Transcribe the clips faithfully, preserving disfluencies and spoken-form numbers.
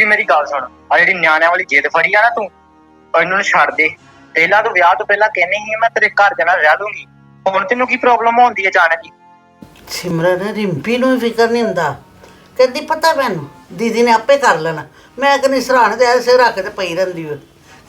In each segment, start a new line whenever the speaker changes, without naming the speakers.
ਰਿੰਪੀ ਮੇਰੀ ਗੱਲ ਸੁਣ, ਆ ਜਿਹੜੀ ਨਿਆਣਿਆਂ ਵਾਲੀ ਜਿੱਦ ਫੜੀ ਆ ਨਾ ਤੂੰ, ਇਹਨਾਂ ਨੂੰ ਛੱਡ ਦੇ। ਪਹਿਲਾਂ ਤੂੰ ਵਿਆਹ ਤੋਂ ਪਹਿਲਾਂ ਕਹਿੰਦੀ ਸੀ ਮੈਂ ਤੇਰੇ ਘਰ ਦੇ ਨਾਲ ਰਹਿ ਲੂੰਗੀ, ਹੁਣ ਤੈਨੂੰ ਕੀ ਪ੍ਰੋਬਲਮ ਹੁੰਦੀ ਹੈ ਅਚਾਨਕ ਹੀ?
ਸਿਮਰਨ ਰਿੰਪੀ ਨੂੰ ਫਿਕਰ ਨਹੀਂ ਹੁੰਦਾ, ਕਹਿੰਦੀ ਪਤਾ ਮੈਨੂੰ ਦੀਦੀ ਨੇ ਆਪੇ ਕਰ ਲੈਣਾ। ਮੈਂ ਕਹਿੰਦੀ ਸਰਾਣੇ ਤੇ ਐਸੇ ਰੱਖ ਕੇ ਪਈ ਰਹਿੰਦੀ ਓ।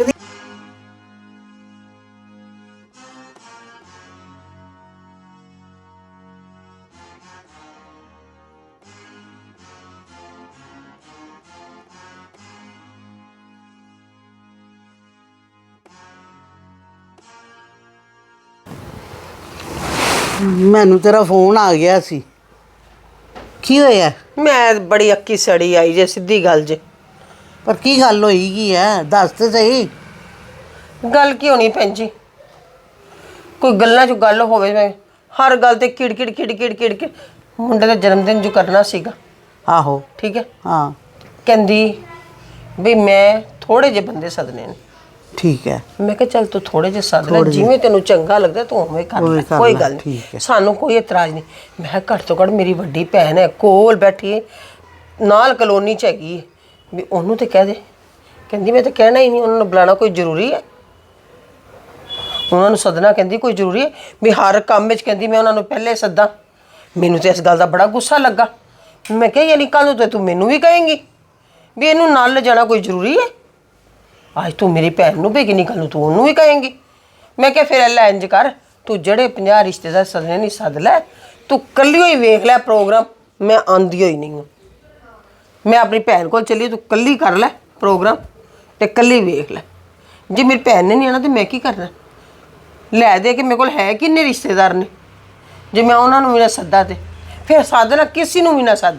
ਮੈਨੂੰ ਤੇਰਾ ਫੋਨ ਆ ਗਿਆ ਸੀ, ਕੀ ਹੋਇਆ?
ਮੈਂ ਬੜੀ ਅੱਕੀ ਸੜੀ ਆਈ ਜੇ, ਸਿੱਧੀ ਗੱਲ ਜੇ।
ਪਰ ਕੀ ਗੱਲ ਹੋਈ ਕੀ ਹੈ, ਦੱਸ ਤੇ ਸਹੀ।
ਗੱਲ ਕੀ ਹੋਣੀ ਭੈਣ ਜੀ, ਕੋਈ ਗੱਲਾਂ 'ਚ ਗੱਲ ਹੋਵੇ, ਮੈਂ ਹਰ ਗੱਲ ਤੇ ਕਿੜ ਕਿੜ ਕਿੜ ਕਿੜ ਕਿੜ ਕੇ ਮੁੰਡੇ ਦਾ ਜਨਮ ਦਿਨ ਜੋ ਕਰਨਾ ਸੀਗਾ।
ਆਹੋ
ਠੀਕ ਹੈ,
ਹਾਂ।
ਕਹਿੰਦੀ ਵੀ ਮੈਂ ਥੋੜੇ ਜਿਹੇ ਬੰਦੇ ਸੱਦਣੇ ਨੇ।
ਠੀਕ ਹੈ,
ਮੈਂ ਕਿਹਾ ਚੱਲ ਤੂੰ ਥੋੜੇ ਜਿਹੇ ਸੱਦ ਲੈ, ਜਿਵੇਂ ਤੈਨੂੰ ਚੰਗਾ ਲੱਗਦਾ ਤੂੰ ਉਵੇਂ ਕਰ ਲੈ, ਕੋਈ ਗੱਲ ਨਹੀਂ, ਸਾਨੂੰ ਕੋਈ ਇਤਰਾਜ਼ ਨਹੀਂ। ਮੈਂ ਕਿਹਾ ਘੱਟ ਤੋਂ ਘੱਟ ਮੇਰੀ ਵੱਡੀ ਭੈਣ ਹੈ, ਕੋਲ ਬੈਠੀ ਹੈ, ਨਾਲ ਕਲੋਨੀ 'ਚ ਹੈਗੀ ਹੈ, ਵੀ ਉਹਨੂੰ ਤੇ ਕਹਿ ਦੇ। ਕਹਿੰਦੀ ਮੈਂ ਤਾਂ ਕਹਿਣਾ ਹੀ ਨਹੀਂ, ਉਹਨਾਂ ਨੂੰ ਬੁਲਾਉਣਾ ਕੋਈ ਜ਼ਰੂਰੀ ਹੈ? ਉਹਨਾਂ ਨੂੰ ਸੱਦਣਾ ਕਹਿੰਦੀ ਕੋਈ ਜ਼ਰੂਰੀ ਹੈ ਵੀ ਹਰ ਕੰਮ ਵਿੱਚ? ਕਹਿੰਦੀ ਮੈਂ ਉਹਨਾਂ ਨੂੰ ਪਹਿਲੇ ਸੱਦਾਂ। ਮੈਨੂੰ ਤਾਂ ਇਸ ਗੱਲ ਦਾ ਬੜਾ ਗੁੱਸਾ ਲੱਗਾ। ਮੈਂ ਕਿਹਾ ਯਾਨੀ ਕੱਲ੍ਹ ਨੂੰ ਤਾਂ ਤੂੰ ਮੈਨੂੰ ਵੀ ਕਹੇਂਗੀ ਵੀ ਇਹਨੂੰ ਨਾਲ ਲਿਜਾਣਾ ਕੋਈ ਜ਼ਰੂਰੀ ਹੈ? ਅੱਜ ਤੂੰ ਮੇਰੀ ਭੈਣ ਨੂੰ ਭੇਗੀ, ਨਹੀਂ ਕੱਲ੍ਹ ਨੂੰ ਤੂੰ ਉਹਨੂੰ ਵੀ ਕਹੇਂਗੀ। ਮੈਂ ਕਿਹਾ ਫਿਰ ਲੈ ਇੰਝ ਕਰ, ਤੂੰ ਜਿਹੜੇ ਪੰਜਾਹ ਰਿਸ਼ਤੇਦਾਰ ਸੱਦਣੇ ਨਹੀਂ ਸੱਦ ਲੈ, ਤੂੰ ਇਕੱਲੀ ਹੀ ਵੇਖ ਲੈ ਪ੍ਰੋਗਰਾਮ, ਮੈਂ ਆਉਂਦੀ ਹੋਈ ਨਹੀਂ ਹਾਂ। ਮੈਂ ਆਪਣੀ ਭੈਣ ਕੋਲ ਚੱਲੀ, ਤੂੰ ਇਕੱਲੀ ਕਰ ਲੈ ਪ੍ਰੋਗਰਾਮ ਅਤੇ ਇਕੱਲੀ ਵੇਖ ਲੈ। ਜੇ ਮੇਰੀ ਭੈਣ ਨੇ ਨਹੀਂ ਆਉਣਾ ਤਾਂ ਮੈਂ ਕੀ ਕਰਨਾ? ਲੈ ਦੇ ਕੇ ਮੇਰੇ ਕੋਲ ਹੈ ਕਿੰਨੇ ਰਿਸ਼ਤੇਦਾਰ ਨੇ, ਜੇ ਮੈਂ ਉਹਨਾਂ ਨੂੰ ਵੀ ਨਾ ਸੱਦਾ ਤੇ ਫਿਰ ਸੱਦ ਨਾ ਕਿਸੇ ਨੂੰ ਵੀ ਨਾ ਸੱਦ।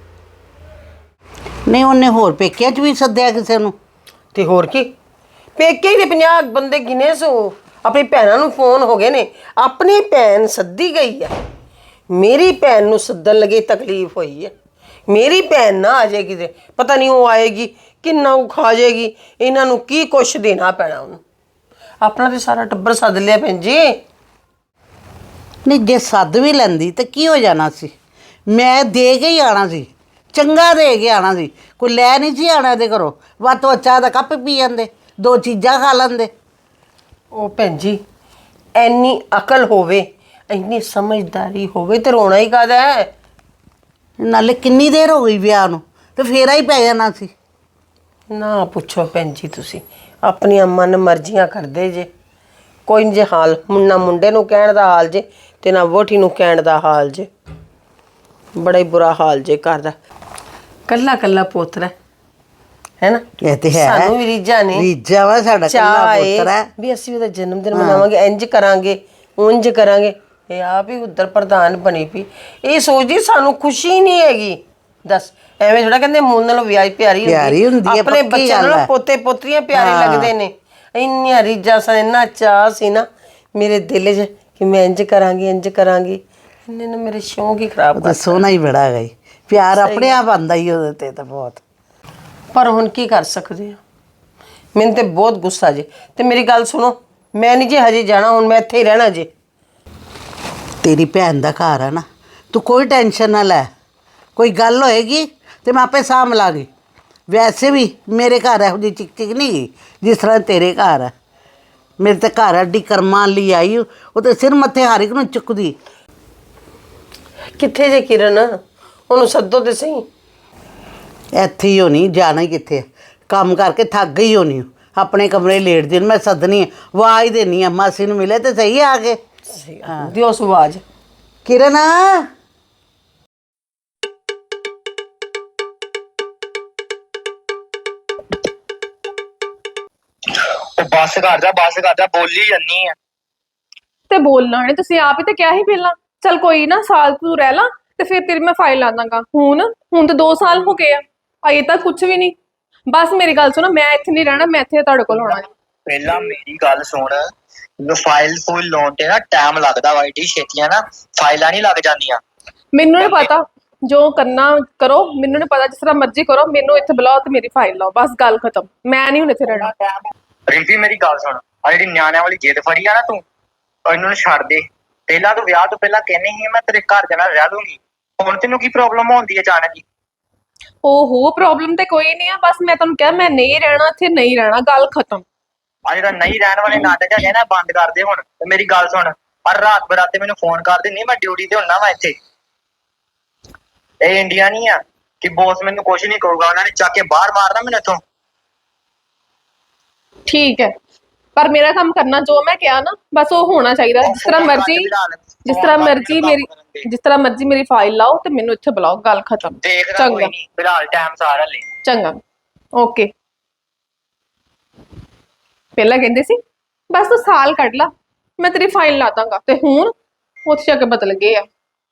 ਨਹੀਂ ਉਹਨੇ ਹੋਰ ਪੇਕਿਆਂ 'ਚ ਵੀ ਸੱਦਿਆ ਕਿਸੇ ਨੂੰ?
ਤੇ ਹੋਰ ਕੀ, ਪੇਕੇ ਹੀ ਦੇ ਪੰਜਾਹ ਬੰਦੇ ਗਿਨੇ ਸੋ। ਆਪਣੀ ਭੈਣਾਂ ਨੂੰ ਫੋਨ ਹੋ ਗਏ ਨੇ, ਆਪਣੀ ਭੈਣ ਸੱਦੀ ਗਈ ਹੈ, ਮੇਰੀ ਭੈਣ ਨੂੰ ਸੱਦਣ ਲੱਗੇ ਤਕਲੀਫ ਹੋਈ ਹੈ। ਮੇਰੀ ਭੈਣ ਨਾ ਆ ਜਾਏਗੀ ਤੇ ਪਤਾ ਨਹੀਂ ਉਹ ਆਏਗੀ ਕਿੰਨਾ ਉਹ ਖਾ ਜਾਏਗੀ, ਇਹਨਾਂ ਨੂੰ ਕੀ ਕੁਛ ਦੇਣਾ ਪੈਣਾ ਉਹਨੂੰ। ਆਪਣਾ ਤੇ ਸਾਰਾ ਟੱਬਰ ਸੱਦ ਲਿਆ ਭੈਣ ਜੀ।
ਨਹੀਂ ਜੇ ਸੱਦ ਵੀ ਲੈਂਦੀ ਤਾਂ ਕੀ ਹੋ ਜਾਣਾ ਸੀ? ਮੈਂ ਦੇ ਕੇ ਹੀ ਆਉਣਾ ਸੀ, ਚੰਗਾ ਦੇ ਕੇ ਆਉਣਾ ਸੀ, ਕੋਈ ਲੈ ਨਹੀਂ ਸੀ ਆਉਣਾ ਇਹਦੇ ਘਰੋਂ। ਵੱਧ ਤੋਂ ਚਾਹ ਦਾ ਕੱਪ ਪੀ ਜਾਂਦੇ, ਦੋ ਚੀਜ਼ਾਂ ਖਾ ਲੈਂਦੇ।
ਉਹ ਭੈਣ ਜੀ ਇੰਨੀ ਅਕਲ ਹੋਵੇ, ਇੰਨੀ ਸਮਝਦਾਰੀ ਹੋਵੇ ਤੇ ਰੋਣਾ ਹੀ ਕਾਹਦਾ ਹੈ?
ਨਾਲੇ ਕਿੰਨੀ ਦੇਰ ਹੋ ਗਈ ਵਿਆਹ ਨੂੰ, ਤੇ ਫੇਰਾ ਹੀ ਪੈ ਜਾਣਾ ਸੀ।
ਨਾ ਪੁੱਛੋ ਭੈਣ ਜੀ, ਤੁਸੀਂ ਆਪਣੀਆਂ ਮਨ ਮਰਜ਼ੀਆਂ ਕਰਦੇ ਜੇ। ਕੋਈ ਨਹੀਂ ਜੇ ਹਾਲ, ਨਾ ਮੁੰਡੇ ਨੂੰ ਕਹਿਣ ਦਾ ਹਾਲ ਜੇ ਤੇ ਨਾ ਵੋਟੀ ਨੂੰ ਕਹਿਣ ਦਾ ਹਾਲ ਜੇ। ਬੜਾ ਹੀ ਬੁਰਾ ਹਾਲ ਜੇ ਘਰ ਦਾ, ਕੱਲਾ ਕੱਲਾ ਪੋਤਰਾ ਹੈ ਨਾ।
ਇਹ ਤੇ ਹੈ,
ਸਾਨੂੰ ਵੀ ਰੀਝਾਂ ਨੇ,
ਰੀਝਾਂ ਵਾ ਸਾਡਾ ਕੱਲਾ ਪੋਤਰਾ ਹੈ
ਵੀ ਅਸੀਂ ਉਹਦਾ ਜਨਮ ਦਿਨ ਮਨਾਵਾਂਗੇ, ਇੰਜ ਕਰਾਂਗੇ ਉਂਝ ਕਰਾਂਗੇ। ਇਹ ਆਪ ਹੀ ਉੱਧਰ ਪ੍ਰਧਾਨ ਬਣੀ ਪਈ, ਇਹ ਸੋਚਦੀ ਸਾਨੂੰ ਖੁਸ਼ੀ ਨਹੀਂ ਹੈਗੀ। ਦੱਸ ਐਵੇਂ ਥੋੜਾ ਕਹਿੰਦੇ ਮੂਲ ਨਾਲੋਂ ਵਿਆਹ ਪਿਆਰੀ ਹੁੰਦੀ ਹੈ, ਆਪਣੇ ਬੱਚਿਆਂ ਨਾਲੋਂ ਪੋਤੇ ਪੋਤਰੀਆਂ ਪਿਆਰੇ ਲੱਗਦੇ ਨੇ। ਇੰਨੀਆਂ ਰੀਝਾਂ ਸਨ, ਇੰਨਾ ਚਾਅ ਸੀ ਨਾ ਮੇਰੇ ਦਿਲ 'ਚ ਕਿ ਮੈਂ ਇੰਝ ਕਰਾਂਗੀ ਇੰਝ ਕਰਾਂਗੀ। ਇਹਨੇ ਨਾ ਮੇਰੇ ਸ਼ੌਂਕ ਹੀ ਖਰਾਬ ਕਰ।
ਸੋਹਣਾ ਹੀ ਬੜਾ ਗਈ, ਪਿਆਰ ਆਪਣੇ ਆਪ ਆਉਂਦਾ ਹੀ ਉਹਦੇ ਤੇ ਤਾਂ ਬਹੁਤ।
ਪਰ ਹੁਣ ਕੀ ਕਰ ਸਕਦੇ ਆ, ਮੈਨੂੰ ਤੇ ਬਹੁਤ ਗੁੱਸਾ ਜੇ। ਤੇ ਮੇਰੀ ਗੱਲ ਸੁਣੋ, ਮੈਂ ਨਹੀਂ ਜੇ ਹਜੇ ਜਾਣਾ, ਹੁਣ ਮੈਂ ਇੱਥੇ ਹੀ ਰਹਿਣਾ ਜੇ।
ਤੇਰੀ ਭੈਣ ਦਾ ਘਰ ਹੈ ਨਾ, ਤੂੰ ਕੋਈ ਟੈਨਸ਼ਨ ਨਾ ਲੈ, ਕੋਈ ਗੱਲ ਹੋਏਗੀ ਤੇ ਮੈਂ ਆਪੇ ਸਾਂਭ ਲਾਂਗੀ। ਵੈਸੇ ਵੀ ਮੇਰੇ ਘਰ ਇਹੋ ਜਿਹੀ ਚਿਕ ਚਿਕ ਨਹੀਂ ਗਈ ਜਿਸ ਤਰ੍ਹਾਂ ਤੇਰੇ ਘਰ ਹੈ। ਮੇਰੇ ਤੇ ਘਰ ਅੱਡੀ ਕਰਮਾਂ ਲਈ ਆਈ, ਉਹ ਤੇ ਸਿਰ ਮੱਥੇ ਹਰ ਇੱਕ ਨੂੰ ਚੁੱਕਦੀ।
ਕਿੱਥੇ ਜੇ ਕਿਰਨ, ਉਹਨੂੰ ਸੱਦੋ ਤੇ ਸਹੀ।
ਇੱਥੇ ਹੀ ਹੋਣੀ, ਜਾਣਾ ਹੀ ਕਿੱਥੇ? ਕੰਮ ਕਰਕੇ ਥੱਕ ਗਈ ਹੋਣੀ, ਆਪਣੇ ਕਮਰੇ ਲੇਟਦੀ। ਮੈਂ ਸੱਦਣੀ ਆਵਾਜ਼ ਦੇਣੀ ਆ, ਮਾਸੀ ਨੂੰ ਮਿਲੇ ਤੇ ਸਹੀ ਆ ਕੇ।
ਹਾਂ ਦਿਓ ਆਵਾਜ਼।
ਕਿਰਨ
ਬੱਸ ਕਰ ਜਾ, ਬੱਸ ਕਰ ਜਾ, ਬੋਲੀ ਜੰਨੀ ਆ।
ਤੇ ਬੋਲਣਾ ਨੇ ਤੁਸੀਂ ਆਪ ਹੀ ਤੇ ਕਿਹਾ ਹੀ ਪਹਿਲਾਂ, ਚਲ ਕੋਈ ਨਾ ਸਾਲ ਤੂੰ ਰਹਿ ਲਾ ਤੇ ਫਿਰ ਤੇਰੀ ਮੈਂ ਫਾਈਲ ਲਾ ਦਾਂਗਾ। ਹੁਣ ਹੁਣ ਤਾਂ ਦੋ ਸਾਲ ਹੋ ਗਏ ਆ, ਅਜੇ ਤੱਕ ਕੁਝ ਵੀ ਨਹੀਂ। ਬਸ ਮੇਰੀ ਗੱਲ ਸੁਣੋ, ਮੈਂ ਇੱਥੇ ਨਹੀਂ ਰਹਿਣਾ, ਮੈਂ ਇੱਥੇ ਤੁਹਾਡੇ ਕੋਲ ਆਉਣਾ।
ਪਹਿਲਾਂ ਮੇਰੀ ਗੱਲ ਸੁਣ, ਫਾਈਲ ਫੂਲ ਲਾਉਣ ਤੇ ਨਾ ਟਾਈਮ ਲੱਗਦਾ ਵਾ, ਏਡੀ ਛੇਤੀਆਂ ਨਾ ਫਾਈਲਾਂ ਨਹੀਂ ਲੱਗ ਜਾਂਦੀਆਂ।
ਮੈਨੂੰ ਨਹੀਂ ਪਤਾ, ਜੋ ਕਰਨਾ ਕਰੋ, ਮੈਨੂੰ ਨਹੀਂ ਪਤਾ, ਜਿਸ ਤਰ੍ਹਾਂ ਮਰਜ਼ੀ ਕਰੋ, ਮੈਨੂੰ ਇੱਥੇ ਬੁਲਾਓ ਤੇ ਮੇਰੀ ਫਾਈਲ ਲਾਓ, ਬਸ ਗੱਲ ਖਤਮ। ਮੈਂ ਨਹੀਂ ਹੁਣ ਇੱਥੇ ਰਹਿਣਾ।
ਰਿੰਪੀ ਮੇਰੀ ਗੱਲ ਸੁਣ, ਆ ਜਿਹੜੀ ਨਿਆਣਿਆਂ ਵਾਲੀ ਜਿੱਦ ਫੜੀ ਆ ਨਾ ਤੂੰ, ਇਹਨਾਂ ਨੂੰ ਛੱਡ ਦੇ। ਪਹਿਲਾਂ ਤੂੰ ਵਿਆਹ ਤੋਂ ਪਹਿਲਾਂ ਕਹਿੰਦੀ ਸੀ ਮੈਂ ਤੇਰੇ ਘਰ ਦੇ ਨਾਲ ਰਹਿ ਲੂੰਗੀ, ਹੁਣ ਤੈਨੂੰ ਕੀ ਪ੍ਰੋਬਲਮ ਹੁੰਦੀ ਹੈ ਅਚਾਨਕ ਹੀ?
ਓਹੋ ਪ੍ਰੋਬਲਮ ਤੇ ਕੋਈ ਨਹੀਂ ਆ, ਬਸ ਮੈਂ ਤੁਹਾਨੂੰ ਕਿਹਾ ਮੈਂ ਨਹੀਂ ਰਹਿਣਾ ਇੱਥੇ, ਨਹੀਂ ਰਹਿਣਾ, ਗੱਲ ਖਤਮ।
ਆ ਜਿਹੜਾ ਨਹੀਂ ਰਹਿਣ ਵਾਲੇ ਨਾਟਕ ਹੈਗੇ ਨਾ ਬੰਦ ਕਰ ਦੇ ਹੁਣ। ਤੇ ਮੇਰੀ ਗੱਲ ਸੁਣ, ਪਰ ਰਾਤ ਬਰਾਤੇ ਮੈਨੂੰ ਫੋਨ ਕਰ ਦਿੰਦੀ, ਮੈਂ ਡਿਊਟੀ ਤੇ ਹੁੰਨਾ ਵਾ ਇੱਥੇ। ਇਹ ਇੰਡੀਆ ਨਹੀਂ ਆ ਕਿ ਬੌਸ ਮੈਨੂੰ ਕੁਝ ਨਹੀਂ ਕਹੂਗਾ, ਉਹਨਾਂ ਨੇ ਚੱਕ ਕੇ ਬਾਹਰ ਮਾਰਨਾ ਮੈਨੂੰ ਇੱਥੋਂ।
ਠੀਕ ਹੈ, ਪਰ ਮੇਰਾ ਕੰਮ ਕਰਨਾ ਜੋ ਮੈਂ ਕਿਹਾ ਨਾ, ਬਸ ਉਹ ਹੋਣਾ ਚਾਹੀਦਾ। ਜਿਸ ਤਰ੍ਹਾਂ ਮਰਜ਼ੀ ਜਿਸ ਤਰ੍ਹਾਂ ਮਰਜ਼ੀ ਮੇਰੀ ਜਿਸ ਤਰ੍ਹਾਂ ਮਰਜ਼ੀ ਮੇਰੀ ਫਾਈਲ ਲਾਓ ਤੇ ਮੈਨੂੰ ਇੱਥੇ ਬੁਲਾਓ, ਗੱਲ ਖਤਮ।
ਦੇਖਦਾ ਕੋਈ ਨਹੀਂ, ਫਿਲਹਾਲ ਟਾਈਮ ਸਾਰਾ ਲੈ।
ਚੰਗਾ, ਓਕੇ। ਪਹਿਲਾਂ ਕਹਿੰਦੇ ਸੀ ਬਸ ਤੂੰ ਸਾਲ ਕੱਢ ਲਾ, ਮੈਂ ਤੇਰੀ ਫਾਈਲ ਲਾ ਦਾਂਗਾ, ਤੇ ਹੁਣ ਉੱਥੇ ਜਾ ਕੇ ਬਦਲ ਗਏ ਆ।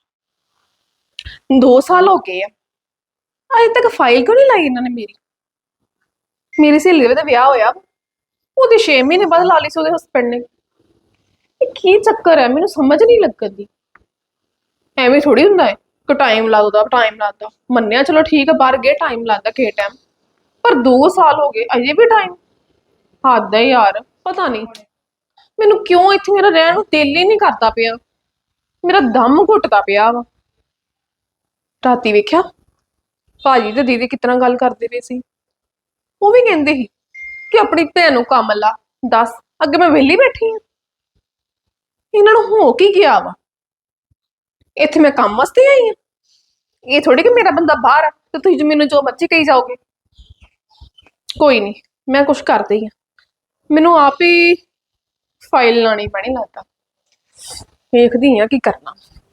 ਦੋ ਸਾਲ ਹੋ ਗਏ ਆ, ਅਜੇ ਤੱਕ ਫਾਈਲ ਕਿਉਂ ਨਹੀਂ ਲਾਈ ਇਹਨਾਂ ਨੇ ਮੇਰੀ। ਮੇਰੀ ਸਹੇਲੀ ਦਾ ਵਿਆਹ ਹੋਇਆ, ਉਹਦੇ ਛੇ ਮਹੀਨੇ ਬਾਅਦ ਲਾ ਲਈ ਸੀ ਉਹਦੇ ਹਸਬੈਂਡ ਨੇ। ਇਹ ਕੀ ਚੱਕਰ ਹੈ, ਮੈਨੂੰ ਸਮਝ ਨਹੀਂ ਲੱਗਦੀ। ਐਵੇਂ ਥੋੜੀ ਹੁੰਦਾ ਹੈ ਕਿ ਟਾਈਮ ਲੱਗਦਾ ਟਾਈਮ ਲੱਗਦਾ। ਮੰਨਿਆ ਚਲੋ ਠੀਕ ਹੈ, ਬਾਹਰ ਗਏ ਟਾਈਮ ਲੱਗਦਾ ਕਿਸੇ ਟਾਈਮ, ਪਰ ਦੋ ਸਾਲ ਹੋ ਗਏ ਅਜੇ ਵੀ ਟਾਈਮ। ਹੱਦ ਹੈ ਯਾਰ, ਪਤਾ ਨਹੀਂ ਮੈਨੂੰ ਕਿਉਂ ਇੱਥੇ ਮੇਰਾ ਰਹਿਣ ਨੂੰ ਦਿਲ ਹੀ ਨਹੀਂ ਕਰਦਾ ਪਿਆ, ਮੇਰਾ ਦਮ ਘੁੱਟਦਾ ਪਿਆ ਵਾ। ਰਾਤੀ ਵੇਖਿਆ ਭਾਜੀ ਤੇ ਦੀਦੀ ਕਿਤਨਾ ਗੱਲ ਕਰਦੇ ਪਏ ਸੀ, ਉਹ ਵੀ ਕਹਿੰਦੇ ਸੀ ਕਿ ਆਪਣੀ ਭੈਣ ਨੂੰ ਕੰਮ ਲਾ। ਦੱਸ ਅੱਗੇ ਮੈਂ ਵਿਹਲੀ ਬੈਠੀ ਹਾਂ, ਇਹਨਾਂ ਨੂੰ ਹੋ ਕੀ ਗਿਆ ਵਾ। ਇੱਥੇ ਮੈਂ ਕੰਮ ਵਾਸਤੇ ਆਈ ਹਾਂ, ਇਹ ਥੋੜੀ ਕਿ ਮੇਰਾ ਬੰਦਾ ਬਾਹਰ ਆ ਤੇ ਤੁਸੀਂ ਮੈਨੂੰ ਜੋ ਮਰਜ਼ੀ ਕਹੀ ਜਾਓਗੇ। ਕੋਈ ਨਹੀਂ, ਮੈਂ ਕੁਛ ਕਰਦੀ ਹਾਂ, ਮੈਨੂੰ ਆਪ ਹੀ ਫਾਈਲ ਲਾਣੀ ਪੈਣੀ ਲੱਗਦਾ। ਵੇਖਦੀ ਹਾਂ ਕੀ ਕਰਨਾ।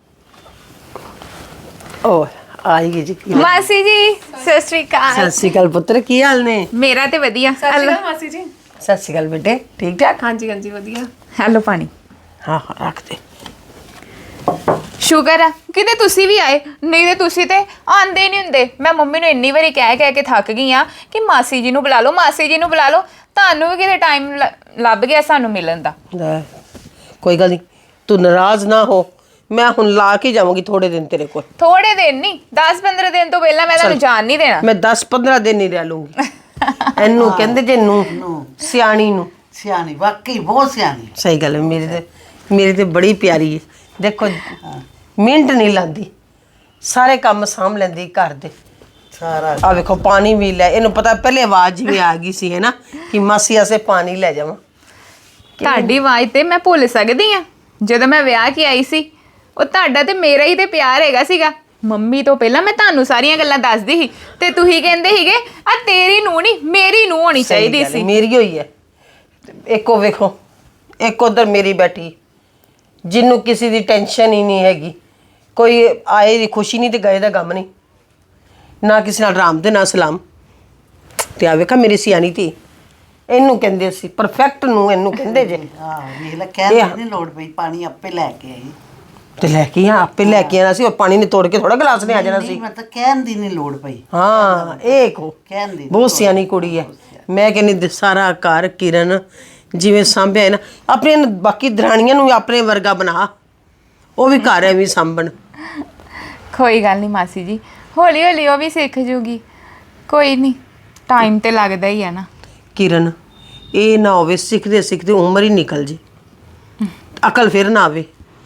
ਓ ਆਈ ਗਈ ਜੀ।
ਮਾਸੀ ਜੀ ਸਤਿ ਸ਼੍ਰੀ ਅਕਾਲ।
ਸਤਿ ਸ਼੍ਰੀ ਅਕਾਲ ਪੁੱਤਰ, ਕੀ ਹਾਲ ਨੇ?
ਮੇਰਾ ਤੇ ਵਧੀਆ।
ਸਤਿ ਮਾਸੀ ਜੀ।
ਸਤਿ ਸ਼੍ਰੀ ਅਕਾਲ ਬੇਟੇ, ਠੀਕ ਠਾਕ?
ਹਾਂਜੀ ਹਾਂਜੀ ਵਧੀਆ।
ਹੈਲੋ ਪਾਣੀ।
ਹਾਂ ਹਾਂ ਰੱਖ ਦੇ।
ਸ਼ੁਕਰ ਆ ਕਿਤੇ ਤੁਸੀਂ ਵੀ ਆਏ, ਨਹੀਂ ਤੇ ਤੁਸੀਂ ਤੇ ਆਂਦੇ ਨਹੀਂ ਹੁੰਦੇ। ਮੈਂ ਮੰਮੀ ਨੂੰ ਇੰਨੀ ਵਾਰੀ ਕਹਿ ਕਹਿ ਕੇ ਥੱਕ ਗਈ ਆ ਕਿ ਮਾਸੀ ਜੀ ਨੂੰ ਬੁਲਾ ਲਓ, ਮਾਸੀ ਜੀ ਨੂੰ ਬੁਲਾ ਲਓ। ਤੁਹਾਨੂੰ ਵੀ ਕਿਤੇ ਟਾਈਮ ਲੱਭ ਗਿਆ ਸਾਨੂੰ ਮਿਲਣ ਦਾ।
ਲੈ, ਕੋਈ ਗੱਲ ਨਹੀਂ, ਤੂੰ ਨਾਰਾਜ਼ ਨਾ ਹੋ, ਮੈਂ ਹੁਣ ਲਾ ਕੇ ਜਾਵਾਂਗੀ ਥੋੜੇ ਦਿਨ ਤੇਰੇ ਕੋਲ।
ਥੋੜੇ ਦਿਨ ਨਹੀਂ, ਦਸ ਪੰਦਰਾਂ ਦਿਨ ਤੋਂ ਪਹਿਲਾਂ ਮੈਂ ਤੁਹਾਨੂੰ ਜਾਣ ਨਹੀਂ ਦੇਣਾ।
ਮੈਂ ਦਸ ਪੰਦਰਾਂ ਦਿਨ ਹੀ ਰਹਿ ਲੂੰਗੀ। ਇਹਨੂੰ ਕਹਿੰਦੇ ਜੇ ਨੂੰ ਸਿਆਣੀ ਨੂੰ।
ਸਿਆਣੀ, ਵਾਕਈ ਬਹੁਤ ਸਿਆਣੀ।
ਸਹੀ ਗੱਲ ਹੈ, ਮੇਰੀ ਤੇ ਮੇਰੀ ਤੇ ਬੜੀ ਪਿਆਰੀ ਹੈ। ਦੇਖੋ ਮਿੰਟ ਨਹੀਂ ਲਾਂਦੀ, ਸਾਰੇ ਕੰਮ ਸਾਂਭ ਲੈਂਦੀ ਘਰ ਦੇ।
ਸਾਰਾ
ਆ ਵੇਖੋ ਪਾਣੀ ਵੀ ਲੈ, ਇਹਨੂੰ ਪਤਾ ਪਹਿਲੇ ਆਵਾਜ਼ ਵੀ ਆ ਗਈ ਸੀ ਹੈ ਨਾ ਕਿ ਮਾਸੀ ਆਸੇ ਪਾਣੀ ਲੈ ਜਾਵਾਂ।
ਤੁਹਾਡੀ ਆਵਾਜ਼ ਤੇ ਮੈਂ ਭੁੱਲ ਸਕਦੀ ਆ। ਜਦੋਂ ਮੈਂ ਵਿਆਹ ਕੇ ਆਈ ਸੀ, ਉਹ ਤੁਹਾਡਾ ਤੇ ਮੇਰਾ ਹੀ ਤੇ ਪਿਆਰ ਹੈਗਾ ਸੀਗਾ। ਮੰਮੀ ਤੋਂ ਪਹਿਲਾਂ ਮੈਂ ਤੁਹਾਨੂੰ ਸਾਰੀਆਂ ਗੱਲਾਂ ਦੱਸਦੀ ਸੀ ਤੇ ਤੁਸੀਂ ਕਹਿੰਦੇ ਸੀਗੇ ਆ ਤੇਰੀ ਨੂੰ ਨਹੀਂ ਮੇਰੀ ਨੂੰ ਹੋਣੀ ਚਾਹੀਦੀ ਸੀ।
ਮੇਰੀ ਹੋਈ ਹੈ। ਇੱਕੋ ਵੇਖੋ, ਇੱਕ ਉਧਰ ਮੇਰੀ ਬੈਠੀ, ਜਿਹਨੂੰ ਕਿਸੇ ਦੀ ਟੈਨਸ਼ਨ ਹੀ ਨਹੀਂ ਹੈਗੀ, ਕੋਈ ਆਏ ਦੀ ਖੁਸ਼ੀ ਨਹੀਂ ਤੇ ਗਏ ਦਾ ਗਮ ਨਹੀਂ, ਨਾ ਕਿਸੇ ਨਾਲ ਰਾਮ ਤੇ ਨਾ ਸਲਾਮ। ਤੇ ਆ ਵੇਖਾ ਮੇਰੀ ਸਿਆਣੀ ਧੀ, ਇਹਨੂੰ ਕਹਿੰਦੇ ਸੀ ਪਰਫੈਕਟ ਨੂੰ, ਇਹਨੂੰ ਕਹਿੰਦੇ ਜੇ।
ਹਾਂ ਵੇਖ ਲੈ, ਕਹਿਣ ਦੀ ਨਹੀਂ ਲੋੜ ਪਈ, ਪਾਣੀ ਆਪੇ ਲੈ ਕੇ ਆਈ।
ਤੇ ਲੈ ਕੇ ਆ ਆਪੇ ਲੈ ਕੇ ਆਣਾ ਸੀ, ਉਹ ਪਾਣੀ ਨੇ ਤੋੜ ਕੇ ਥੋੜਾ ਗਲਾਸ ਨੇ ਆ ਜਾਣਾ ਸੀ।
ਨਹੀਂ ਮਤਲਬ ਕਹਿਣ ਦੀ ਨਹੀਂ ਲੋੜ ਪਈ।
ਹਾਂ ਇਹ ਕੋ
ਕਹਿਣ ਦੀ
ਬਹੁਤ ਸਿਆਣੀ ਕੁੜੀ ਹੈ। ਮੈਂ ਕਹਿੰਦੀ ਸਾਰਾ ਘਰ ਕਿਰਨ ਜਿਵੇਂ ਸਾਂਭਿਆ ਹੈ ਨਾ, ਆਪਣੇ ਬਾਕੀ ਦਰਾਣੀਆਂ ਨੂੰ ਵੀ ਆਪਣੇ ਵਰਗਾ ਬਣਾ, ਉਹ ਵੀ ਘਰ ਐਵੇਂ ਸਾਂਭਣ।
ਕੋਈ ਗੱਲ ਨਹੀਂ ਮਾਸੀ ਜੀ, ਹੌਲੀ ਹੌਲੀ ਉਹ ਵੀ ਸਿੱਖ ਜੂਗੀ। ਕੋਈ ਨਹੀਂ, ਟਾਈਮ ਤੇ ਲੱਗਦਾ ਹੀ ਹੈ ਨਾ।
ਕਿਰਨ ਇਹ ਨਾ ਹੋਵੇ ਸਿੱਖਦੇ ਸਿੱਖਦੇ ਉਮਰ ਹੀ ਨਿਕਲ ਜੇ, ਅਕਲ ਫਿਰ ਨਾ ਆਵੇ।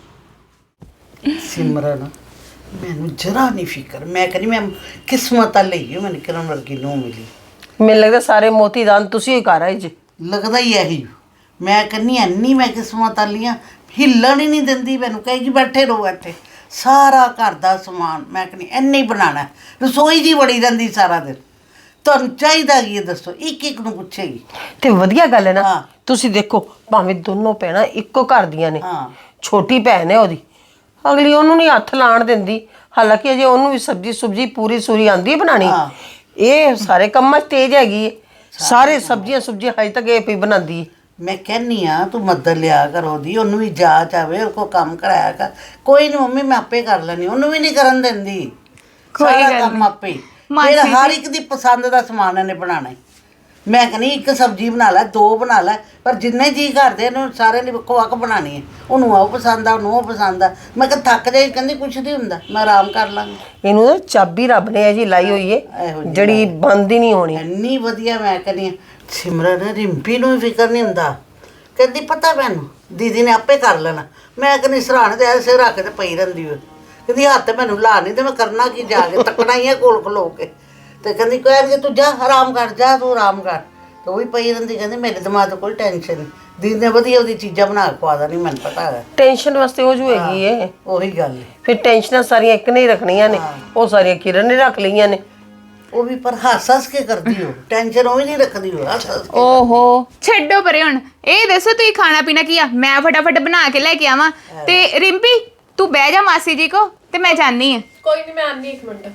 ਸਿਮਰਨ ਮੈਨੂੰ ਜਰਾ ਨਹੀਂ ਫਿਕਰ, ਮੈਂ ਕਹਿੰਦੀ ਮੈਂ ਕਿਸਮਤ ਆ ਲਈ ਮੈਨੂੰ ਕਿਰਨ ਵਰਗੀ ਨੂੰ ਮਿਲੀ।
ਮੈਨੂੰ ਲੱਗਦਾ ਸਾਰੇ ਮੋਤੀ ਦਾਨ ਤੁਸੀਂ ਹੀ ਕਰ ਆਏ ਜੀ।
ਲੱਗਦਾ ਹੀ ਇਹੀ, ਮੈਂ ਕਹਿੰਦੀ ਐਨੀ ਮੈਂ ਕਿਸਮਤ ਵਾਲੀਆਂ, ਹਿੱਲਣ ਹੀ ਨਹੀਂ ਦਿੰਦੀ। ਮੈਨੂੰ ਕਹੇਗੀ ਬੈਠੇ ਰਹੋ ਇੱਥੇ, ਸਾਰਾ ਘਰ ਦਾ ਸਮਾਨ ਮੈਂ ਕਹਿੰਦੀ ਇੰਨੇ ਹੀ ਬਣਾਉਣਾ, ਰਸੋਈ ਜੀ ਵੜੀ ਰਹਿੰਦੀ ਸਾਰਾ ਦਿਨ। ਤੁਹਾਨੂੰ ਚਾਹੀਦਾ ਕੀ ਦੱਸੋ, ਇੱਕ ਇੱਕ ਨੂੰ ਪੁੱਛੇਗੀ।
ਤੇ ਵਧੀਆ ਗੱਲ ਹੈ ਨਾ।
ਹਾਂ।
ਤੁਸੀਂ ਦੇਖੋ ਭਾਵੇਂ ਦੋਨੋਂ ਭੈਣਾਂ ਇੱਕੋ ਘਰ ਦੀਆਂ ਨੇ,
ਹਾਂ।
ਛੋਟੀ ਭੈਣ ਹੈ ਉਹਦੀ, ਅਗਲੀ ਉਹਨੂੰ ਨਹੀਂ ਹੱਥ ਲਾਣ ਦਿੰਦੀ। ਹਾਲਾਂਕਿ ਅਜੇ ਉਹਨੂੰ ਵੀ ਸਬਜ਼ੀ ਸੁਬਜੀ ਪੂਰੀ ਸੂਰੀ ਆਂਦੀ ਹੈ ਬਣਾਣੀ।
ਹਾਂ।
ਇਹ ਸਾਰੇ ਕੰਮਾਂ 'ਚ ਤੇਜ਼ ਹੈਗੀ ਹੈ, ਸਾਰੇ ਸਬਜ਼ੀਆਂ ਸੁਬਜ਼ੀਆਂ ਹਜੇ ਤੱਕ ਇਹ ਪਈ ਬਣਾਉਂਦੀ ਹੈ।
ਮੈਂ ਕਹਿੰਨੀ ਆ ਤੂੰ ਮਦਦ ਲਿਆ ਕਰ ਉਹਦੀ, ਉਹਨੂੰ ਵੀ ਜਾਚ ਆਵੇ, ਉਹ ਕੋ ਕੰਮ ਕਰਾਇਆ ਕਰ। ਕੋਈ ਨਹੀਂ ਮੰਮੀ ਮੈਂ ਆਪੇ ਕਰ ਲੈਣੀ, ਉਹਨੂੰ ਵੀ ਨਹੀਂ ਕਰਨ ਦਿੰਦੀ।
ਕੋਈ
ਸਾਰਾ
ਗੱਲ
ਕੰਮ
ਨਹੀਂ।
ਆਪੇ। ਫਿਰ ਹਰ ਇੱਕ ਦੀ ਪਸੰਦ ਦਾ ਸਮਾਨ ਇਹਨੇ ਬਣਾਉਣਾ। ਮੈਂ ਕਹਿੰਦੀ ਇੱਕ ਸਬਜ਼ੀ ਬਣਾ ਲੈ, ਦੋ ਬਣਾ ਲੈ, ਪਰ ਜਿੰਨੇ ਜੀ ਕਰਦੇ ਇਹਨੂੰ ਸਾਰੇ ਲਈ ਵੱਖੋ ਵੱਖ ਬਣਾਉਣੀ ਹੈ। ਉਹਨੂੰ ਉਹ ਪਸੰਦ ਆ, ਉਹਨੂੰ ਉਹ ਪਸੰਦ ਆ। ਮੈਂ ਕਿਹਾ ਥੱਕ ਜਾਏ, ਕਹਿੰਦੀ ਕੁਛ ਨਹੀਂ ਹੁੰਦਾ, ਮੈਂ ਆਰਾਮ ਕਰ ਲਾਂਗੀ।
ਇਹਨੂੰ ਨਾ ਚਾਬੀ ਰੱਬ ਨੇ ਜੀ ਲਾਈ ਹੋਈ ਹੈ,
ਇਹੋ ਜਿਹੀ
ਜਿਹੜੀ ਬੰਦ ਹੀ ਨਹੀਂ ਹੋਣੀ।
ਇੰਨੀ ਵਧੀਆ। ਮੈਂ ਕਹਿੰਦੀ ਹਾਂ ਸਿਮਰਨ ਰਿੰਪੀ ਨੂੰ ਵੀ ਫਿਕਰ ਨਹੀਂ ਹੁੰਦਾ, ਕਹਿੰਦੀ ਪਤਾ ਮੈਨੂੰ ਦੀਦੀ ਨੇ ਆਪੇ ਕਰ ਲੈਣਾ। ਮੈਂ ਕਹਿੰਦੀ ਸਰਾਣੇ ਤੇ ਐਸੇ ਰੱਖ ਕੇ ਪਈ ਰਹਿੰਦੀ ਹੋਈ, ਕਹਿੰਦੀ ਹੱਥ ਮੈਨੂੰ ਲਾ ਨਹੀਂ ਤੇ ਮੈਂ ਕਰਨਾ ਕੀ ਜਾ ਕੇ, ਤੱਕਣਾ ਹੀ ਹੈ ਕੋਲ ਖਲੋ ਕੇ। ਤੇ ਕਹਿੰਦੀ ਕਹਿਣਗੇ ਤੂੰ ਜਾ ਆਰਾਮ ਕਰ, ਜਾ ਤੂੰ ਆਰਾਮ ਕਰ। ਤੇ ਉਹ ਵੀ ਪਈ ਰਹਿੰਦੀ, ਕਹਿੰਦੀ ਮੇਰੇ ਦਿਮਾਗ 'ਤੇ ਕੋਈ ਟੈਨਸ਼ਨ ਨਹੀਂ, ਦੀਦੀ ਨੇ ਵਧੀਆ ਉਹਦੀ ਚੀਜ਼ਾਂ ਬਣਾ ਕੇ ਖਵਾ ਦੇਣੀ, ਮੈਨੂੰ ਪਤਾ ਹੈ।
ਟੈਨਸ਼ਨ ਵਾਸਤੇ ਉਹ ਜੋ ਹੈਗੀ ਏ,
ਉਹੀ ਗੱਲ ਹੈ।
ਫਿਰ ਟੈਨਸ਼ਨਾਂ ਸਾਰੀਆਂ ਇੱਕ ਨੇ ਹੀ ਰੱਖਣੀਆਂ ਨੇ, ਉਹ ਸਾਰੀਆਂ ਕਿਰਨ ਨੇ ਰੱਖ ਲਈਆਂ ਨੇ।
ਉਹ ਵੀ ਪਰ ਹੱਸ ਹੱਸ ਕੇ ਕਰਦੀ ਹੋ, ਟੈਨਸ਼ਨ ਉਹ ਵੀ ਨਹੀਂ ਰੱਖਦੀ ਹੋ, ਹੱਸ ਹੱਸ ਕੇ।
ਓਹੋ ਛੱਡੋ ਪਰੇ ਹੁਣ, ਇਹ ਦੱਸੋ ਤੁਸੀਂ ਖਾਣਾ ਪੀਣਾ ਕੀ ਆ? ਮੈਂ ਫਟਾਫਟ ਬਣਾ ਕੇ ਲੈ ਕੇ ਆਵਾਂ। ਤੇ ਰਿੰਪੀ ਤੂੰ ਬਹਿ ਜਾ ਮਾਸੀ ਜੀ ਕੋ, ਤੇ ਮੈਂ ਜਾਣੀ ਆ।
ਕੋਈ ਨਹੀਂ, ਮੈਂ ਆਨੀ ਇੱਕ ਮਿੰਟ।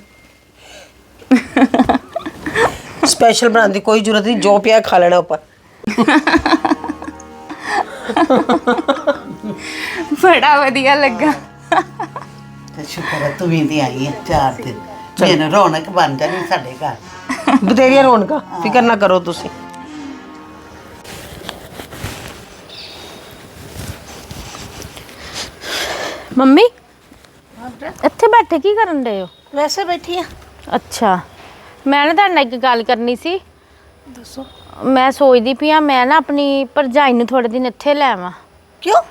ਸਪੈਸ਼ਲ ਬਣਾਉਣ ਦੀ ਕੋਈ ਜ਼ਰੂਰਤ ਨਹੀਂ, ਜੋ ਪਿਆ ਖਾ ਲੈਣਾ ਉੱਪਰ।
ਬੜਾ ਵਧੀਆ ਲੱਗਾ।
ਤੇ ਸ਼ੁਕਰ ਹੈ ਤੂੰ ਵੀ ਦੀ ਆਈ ਹੈ ਚਾਰ ਦਿਨ, ਮੇਰੇ ਰੌਣਕ ਬਣ ਜਾਣੀ ਸਾਡੇ ਘਰ।
ਬਥੇਰੀਆਂ ਰੌਣਕਾਂ, ਫਿਕਰ ਨਾ ਕਰੋ ਤੁਸੀਂ।
ਮੰਮੀ ਇੱਥੇ ਬੈਠੇ ਕੀ ਕਰਨ ਰਹੇ ਹੋ?
ਵੈਸੇ ਬੈਠੀ ਆ।
ਅੱਛਾ, ਮੈਂ ਨਾ ਤੁਹਾਡੇ ਨਾਲ ਇੱਕ ਗੱਲ ਕਰਨੀ ਸੀ। ਦੱਸੋ। ਮੈਂ ਸੋਚਦੀ ਪਈ ਆ ਮੈਂ ਨਾ ਆਪਣੀ ਭਰਜਾਈ ਨੂੰ ਥੋੜੇ ਦਿਨ ਇੱਥੇ ਲੈ ਆਵਾਂ।
ਕਿਉਂ?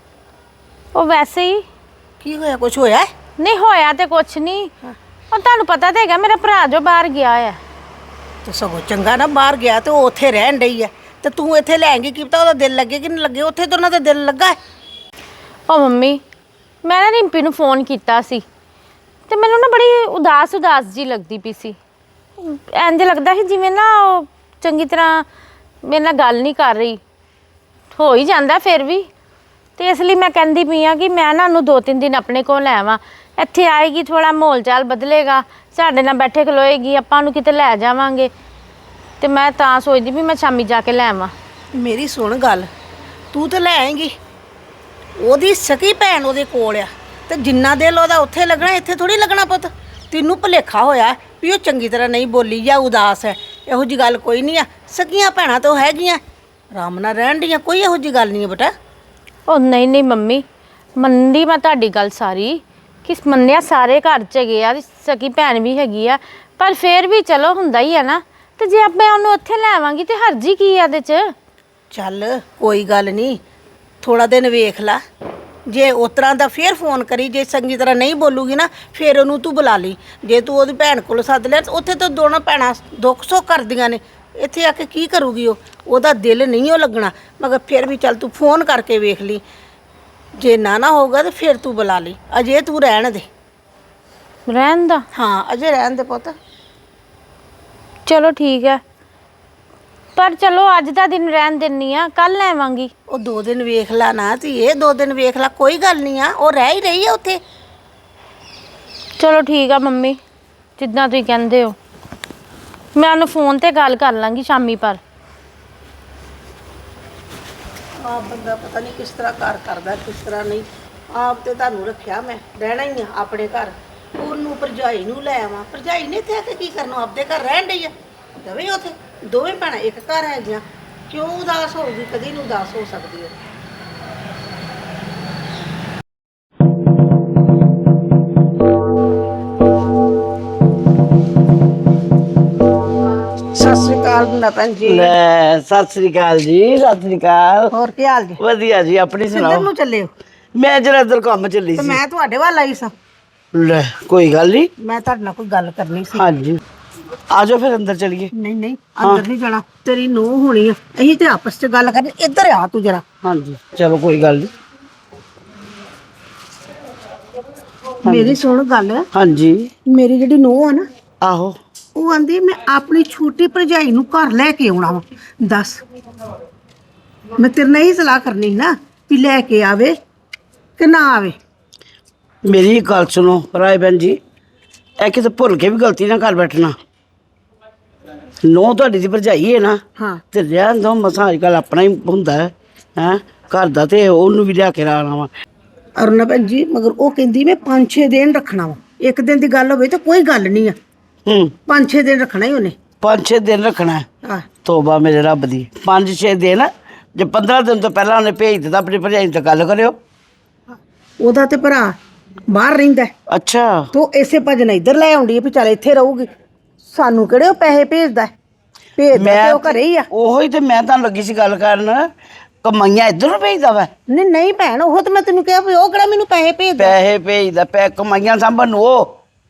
ਉਹ ਵੈਸੇ ਹੀ।
ਕੀ ਹੋਇਆ? ਕੁਝ ਹੋਇਆ?
ਨਹੀਂ ਹੋਇਆ ਤੇ ਕੁਛ ਨਹੀਂ, ਉਹ ਤੁਹਾਨੂੰ ਪਤਾ ਤਾਂ ਹੈਗਾ ਮੇਰਾ ਭਰਾ ਜੋ ਬਾਹਰ ਗਿਆ ਹੈ।
ਤੇ ਸਗੋਂ ਚੰਗਾ ਨਾ, ਬਾਹਰ ਗਿਆ ਤੇ ਉਹ ਉੱਥੇ ਰਹਿਣ ਡਈ ਹੈ, ਤੇ ਤੂੰ ਇੱਥੇ ਲੈ ਆਏਂਗੀ, ਕੀ ਪਤਾ ਉਹਦਾ ਦਿਲ ਲੱਗੇ ਕਿ ਨਹੀਂ ਲੱਗੇ। ਉੱਥੇ ਤਾਂ ਉਹਨਾਂ ਦਾ ਦਿਲ ਲੱਗਾ ਹੈ।
ਉਹ ਮੰਮੀ ਮੈਂ ਨਾ ਰਿੰਪੀ ਨੂੰ ਫੋਨ ਕੀਤਾ ਸੀ ਤੇ ਮੈਨੂੰ ਨਾ ਬੜੀ ਉਦਾਸ ਉਦਾਸ ਜੀ ਲੱਗਦੀ ਪਈ ਸੀ। ਇੰਝ ਲੱਗਦਾ ਸੀ ਜਿਵੇਂ ਨਾ ਉਹ ਚੰਗੀ ਤਰ੍ਹਾਂ ਮੇਰੇ ਨਾਲ ਗੱਲ ਨਹੀਂ ਕਰ ਰਹੀ। ਹੋ ਹੀ ਜਾਂਦਾ ਫਿਰ ਵੀ, ਤੇ ਇਸ ਲਈ ਮੈਂ ਕਹਿੰਦੀ ਪਈ ਆ ਕਿ ਮੈਂ ਨਾ ਉਹਨੂੰ ਦੋ ਤਿੰਨ ਦਿਨ ਆਪਣੇ ਕੋਲ ਲੈ ਆਵਾਂ। ਇੱਥੇ ਆਏਗੀ, ਥੋੜਾ ਮਾਹੌਲ ਚਾਲ ਬਦਲੇਗਾ, ਸਾਡੇ ਨਾਲ ਬੈਠੇ ਖਲੋਏਗੀ, ਆਪਾਂ ਉਹਨੂੰ ਕਿਤੇ ਲੈ ਜਾਵਾਂਗੇ। ਤੇ ਮੈਂ ਤਾਂ ਸੋਚਦੀ ਵੀ ਮੈਂ ਸ਼ਾਮੀ ਜਾ ਕੇ ਲੈ ਆਵਾਂ।
ਮੇਰੀ ਸੁਣ ਗੱਲ, ਤੂੰ ਤੇ ਲੈ ਆਏਂਗੀ, ਉਹਦੀ ਸਕੀ ਭੈਣ ਉਹਦੇ ਕੋਲ ਆ, ਤੇ ਜਿੰਨਾ ਦਿਲ ਉਹਦਾ ਉੱਥੇ ਲੱਗਣਾ, ਇੱਥੇ ਥੋੜੀ ਲੱਗਣਾ ਪੁੱਤ। ਤੈਨੂੰ ਭੁਲੇਖਾ ਹੋਇਆ ਵੀ ਉਹ ਚੰਗੀ ਤਰ੍ਹਾਂ ਨਹੀਂ ਬੋਲੀ ਜਾਂ ਉਦਾਸ ਹੈ। ਇਹੋ ਜੀ ਗੱਲ ਕੋਈ ਨਹੀਂ ਆ, ਸਕੀਆਂ ਭੈਣਾਂ ਤਾਂ ਹੈਗੀਆਂ, ਆਰਾਮ ਨਾਲ ਰਹਿਣ ਦੀਆਂ, ਕੋਈ ਇਹੋ ਜੀ ਗੱਲ ਨਹੀਂ ਹੈ ਬੇਟਾ।
ਉਹ ਨਹੀਂ ਨਹੀਂ ਮੰਮੀ, ਮੰਨਦੀ ਮੈਂ ਤੁਹਾਡੀ ਗੱਲ ਸਾਰੀ, ਕਿ ਮੰਨਿਆ ਸਾਰੇ ਘਰ 'ਚ ਹੈਗੇ ਆ, ਸਕੀ ਭੈਣ ਵੀ ਹੈਗੀ ਆ, ਪਰ ਫਿਰ ਵੀ ਚਲੋ ਹੁੰਦਾ ਹੀ ਆ ਨਾ। ਤੇ ਜੇ ਆਪਾਂ ਉਹਨੂੰ ਉੱਥੇ ਲੈ ਆਵਾਂਗੀ ਤੇ ਹਰਜੀ ਕੀ ਆ ਇਹਦੇ 'ਚ?
ਚੱਲ ਕੋਈ ਗੱਲ ਨਹੀਂ, ਥੋੜਾ ਦਿਨ ਵੇਖ ਲਾ, ਜੇ ਉਸ ਤਰ੍ਹਾਂ ਦਾ ਫੇਰ ਫੋਨ ਕਰੀ, ਜੇ ਚੰਗੀ ਤਰ੍ਹਾਂ ਨਹੀਂ ਬੋਲੂਗੀ ਨਾ ਫਿਰ ਉਹਨੂੰ ਤੂੰ ਬੁਲਾ ਲਈ। ਜੇ ਤੂੰ ਉਹਦੀ ਭੈਣ ਕੋਲ ਸੱਦ ਲਿਆ, ਉੱਥੇ ਤਾਂ ਦੋਨੋਂ ਭੈਣਾਂ ਦੁੱਖ ਸੁੱਖ ਕਰਦੀਆਂ ਨੇ, ਇੱਥੇ ਆ ਕੇ ਕੀ ਕਰੂਗੀ ਉਹ? ਉਹਦਾ ਦਿਲ ਨਹੀਂ ਉਹ ਲੱਗਣਾ। ਮਗਰ ਫਿਰ ਵੀ ਚੱਲ ਤੂੰ ਫੋਨ ਕਰਕੇ ਵੇਖ ਲਈ, ਜੇ ਨਾ ਨਾ ਹੋਊਗਾ ਤਾਂ ਫਿਰ ਤੂੰ ਬੁਲਾ ਲਈ। ਅਜੇ ਤੂੰ ਰਹਿਣ ਦੇ।
ਰਹਿਣ ਦਾ?
ਹਾਂ ਅਜੇ ਰਹਿਣ ਦੇ ਪੁੱਤ।
ਚਲੋ ਠੀਕ ਹੈ, ਪਰ ਚਲੋ ਅੱਜ ਦਾ ਦਿਨ ਰਹਿਣ ਦਿੰਨੀ ਆ, ਕੱਲ ਲੈ ਆਵਾਂਗੀ।
ਉਹ ਦੋ ਦਿਨ ਵੇਖ ਲਾ ਨਾ ਧੀਏ, ਦੋ ਦਿਨ ਵੇਖ ਲਾ, ਕੋਈ ਗੱਲ ਨਹੀਂ ਆ, ਉਹ ਰਹਿ ਹੀ ਰਹੀ ਆ ਉੱਥੇ।
ਚਲੋ ਠੀਕ ਆ ਮੰਮੀ, ਜਿੱਦਾਂ ਤੁਸੀਂ ਕਹਿੰਦੇ ਹੋ। ਮੈਂ ਉਹਨੂੰ ਫੋਨ ਤੇ ਗੱਲ ਕਰ ਲਾਂਗੀ ਸ਼ਾਮੀ ਪਰ।
ਆਪ ਬੰਦਾ ਪਤਾ ਨਹੀਂ ਕਿਸ ਤਰ੍ਹਾਂ ਕਾਰ ਕਰਦਾ, ਕਿਸ ਤਰ੍ਹਾਂ ਨਹੀਂ। ਆਪ ਤੇ ਤੁਹਾਨੂੰ ਰੱਖਿਆ ਮੈਂ, ਰਹਿਣਾ ਹੀ ਆ ਆਪਣੇ ਘਰ। ਉਹਨੂੰ ਭਰਜਾਈ ਨੂੰ ਲੈ ਆਵਾਂ, ਭਰਜਾਈ ਨੇ ਇੱਥੇ ਆ ਕੇ ਕੀ ਕਰਨਾ? ਆਪਦੇ ਘਰ ਰਹਿਣ ਡਈ ਆ, ਦਵੇ ਉੱਥੇ ਦੋਵੇਂ ਭੈਣਾਂ ਇੱਕ ਘਰ ਹੈਗੀਆਂ, ਕਿਉਂ ਉਦਾਸ ਹੋਊਗੀ? ਕਦੀ ਨੂੰ ਉਦਾਸ ਹੋ ਸਕਦੀ ਹੈ। ਸਤਿ ਸ੍ਰੀ ਅਕਾਲ ਮੁੰਡਾ ਭੈਣ ਜੀ।
ਲੈ ਸਤਿ ਸ੍ਰੀ ਅਕਾਲ ਜੀ। ਸਤਿ ਸ੍ਰੀ ਅਕਾਲ।
ਹੋਰ ਕੀ ਹਾਲ ਜੀ?
ਵਧੀਆ ਜੀ, ਆਪਣੀ
ਕਿੱਧਰ
ਸੁਣਾਓ।
ਨੂੰ ਚੱਲੇ ਹੋ?
ਮੈਂ ਜਰਾ ਇੱਧਰ ਕੰਮ ਚੱਲੀ
ਤੇ
ਸੀ।
ਮੈਂ ਤੁਹਾਡੇ ਵੱਲ ਆਈ ਸਾਂ।
ਲੈ ਕੋਈ ਗੱਲ ਨਹੀਂ।
ਮੈਂ ਤੁਹਾਡੇ ਨਾਲ ਕੋਈ ਗੱਲ ਕਰਨੀ ਸੀ।
ਹਾਂਜੀ ਆ ਜਾਓ ਫਿਰ ਅੰਦਰ ਚਲੀਏ।
ਨਹੀਂ ਨਹੀਂ ਅੰਦਰ ਨਹੀਂ ਜਾਣਾ, ਤੇਰੀ ਨੂੰਹ ਹੋਣੀ ਆ, ਅਸੀਂ ਤੇ ਆਪਸ ਚ ਗੱਲ ਕਰਨੀ। ਇੱਧਰ ਆ ਤੂੰ ਜਰਾ।
ਹਾਂਜੀ ਚਲੋ ਕੋਈ ਗੱਲ ਨਹੀਂ।
ਮੇਰੀ ਸੁਣ ਗੱਲ,
ਹਾਂਜੀ
ਮੇਰੀ ਜਿਹੜੀ ਨੂੰਹ ਆ ਨਾ,
ਆਹੋ
ਉਹ ਆਂਦੀ ਮੈਂ ਆਪਣੀ ਛੋਟੀ ਭਰਜਾਈ ਨੂੰ ਘਰ ਲੈ ਕੇ ਆਉਣਾ ਵਾ। ਦੱਸ, ਮੈਂ ਤੇਰੇ ਨਾਲ ਹੀ ਸਲਾਹ ਕਰਨੀ ਸੀ ਨਾ ਵੀ ਲੈ ਕੇ ਆਵੇ ਕਿ ਨਾ ਆਵੇ।
ਮੇਰੀ ਗੱਲ ਸੁਣੋ ਰਾਏ ਭੈਣ ਜੀ, ਇਹ ਕਿਤੇ ਭੁੱਲ ਕੇ ਵੀ ਗਲਤੀ ਨਾ ਕਰ ਬੈਠਣਾ। ਨੋ ਤੁਹਾਡੀ ਦੀ ਭਰਜਾਈ ਹੈ ਨਾ,
ਹਾਂ
ਤੇ ਰਹਿਣ ਦੋ, ਮਸਾਂ ਅੱਜ ਕੱਲ੍ਹ ਆਪਣਾ ਹੀ ਹੁੰਦਾ ਹੈ ਹੈਂ ਘਰ ਦਾ, ਤੇ ਉਹਨੂੰ ਵੀ ਲਿਆ ਕੇ ਰਾਣਾ ਵਾ।
ਅਰੁਣਾ ਭੈਣ ਜੀ, ਮਗਰ ਉਹ ਕਹਿੰਦੀ ਮੈਂ ਪੰਜ ਛੇ ਦਿਨ ਰੱਖਣਾ ਵਾ। ਇੱਕ ਦਿਨ ਦੀ ਗੱਲ ਹੋਵੇ ਤਾਂ ਕੋਈ ਗੱਲ ਨਹੀਂ ਆ,
ਹੂੰ
ਪੰਜ ਛੇ ਦਿਨ ਰੱਖਣਾ ਹੀ ਉਹਨੇ।
ਪੰਜ ਛੇ ਦਿਨ ਰੱਖਣਾ ਹੈ?
ਆਹ
ਤੋਬਾ ਮੇਰੇ ਰੱਬ ਦੀ, ਪੰਜ ਛੇ ਦਿਨ? ਜੇ ਪੰਦਰਾਂ ਦਿਨ ਤੋਂ ਪਹਿਲਾਂ ਉਹਨੇ ਭੇਜ ਦਿੱਤਾ ਆਪਣੀ ਭਰਜਾਈ ਨਾਲ ਗੱਲ ਕਰਿਓ।
ਉਹਦਾ ਤੇ ਭਰਾ ਬਾਹਰ ਰਹਿੰਦਾ,
ਅੱਛਾ
ਤੋ ਇਸੇ ਭਜਨ ਇੱਧਰ ਲੈ ਆਉਂਦੀ ਹੈ ਵੀ ਚੱਲ ਇੱਥੇ ਰਹੂਗੀ। ਸਾਨੂੰ ਕਿਹੜੇ ਉਹ ਪੈਸੇ ਭੇਜਦਾ? ਭੇਜਦਾ ਤੇ ਉਹ ਘਰੇ ਹੀ ਆ।
ਉਹੋ ਹੀ ਤੇ ਮੈਂ ਤੁਹਾਨੂੰ ਲੱਗੀ ਸੀ ਗੱਲ ਕਰਨ, ਕਮਾਈਆਂ ਇੱਧਰ ਨੂੰ ਭੇਜਦਾ ਵਾ?
ਨਹੀਂ ਨਹੀਂ ਭੈਣ, ਉਹ ਤਾਂ ਮੈਂ ਤੈਨੂੰ ਕਿਹਾ ਵੀ ਉਹ ਕਿਹੜਾ ਮੈਨੂੰ ਪੈਸੇ ਭੇਜਦਾ।
ਪੈਸੇ ਭੇਜਦਾ, ਪੈ ਕਮਾਈਆਂ ਸਾਂਭਣ ਨੂੰ ਉਹ,